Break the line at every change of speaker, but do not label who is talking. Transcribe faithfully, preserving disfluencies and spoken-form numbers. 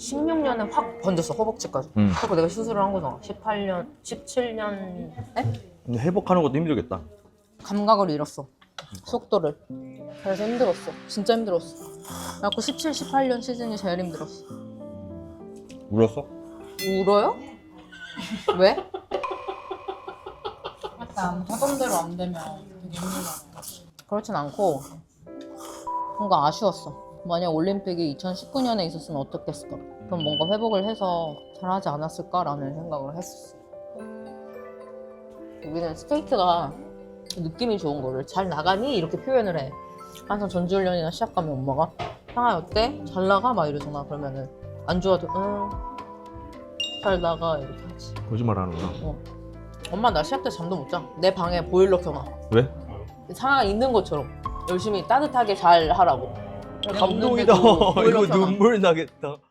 십육 년에 확 번졌어, 허벅지까지.
음.
그리고 내가 수술을 한 거잖아. 십팔 년, 십칠 년에
근데 회복하는 것도 힘들겠다.
감각을 잃었어. 속도를. 그래서 힘들었어. 진짜 힘들었어. 그래갖고 십칠, 십팔 년 시즌이 제일 힘들었어.
울었어?
울어요? 왜?
약간 하던 대로 안 되면 되게 힘들잖아.
그렇진 않고 뭔가 아쉬웠어. 만약 올림픽이 이천십구 년에 있었으면 어떻겠을까? 그럼 뭔가 회복을 해서 잘하지 않았을까라는 생각을 했었어. 우리는 스케이트가 느낌이 좋은 거를 잘 나가니? 이렇게 표현을 해. 항상 전지훈련이나 시합 가면 엄마가 상아 어때? 잘 나가? 막 이러잖아. 그러면은 안 좋아도 응, 잘 나가 이렇게 하지.
거짓말 하는구나.
어. 엄마 나 시합 때 잠도 못 자. 내 방에 보일러 켜놔.
왜?
상황 있는 것처럼 열심히 따뜻하게 잘 하라고.
감동이다.
내가 웃는데도 보일러
이거
켜놔.
눈물 나겠다.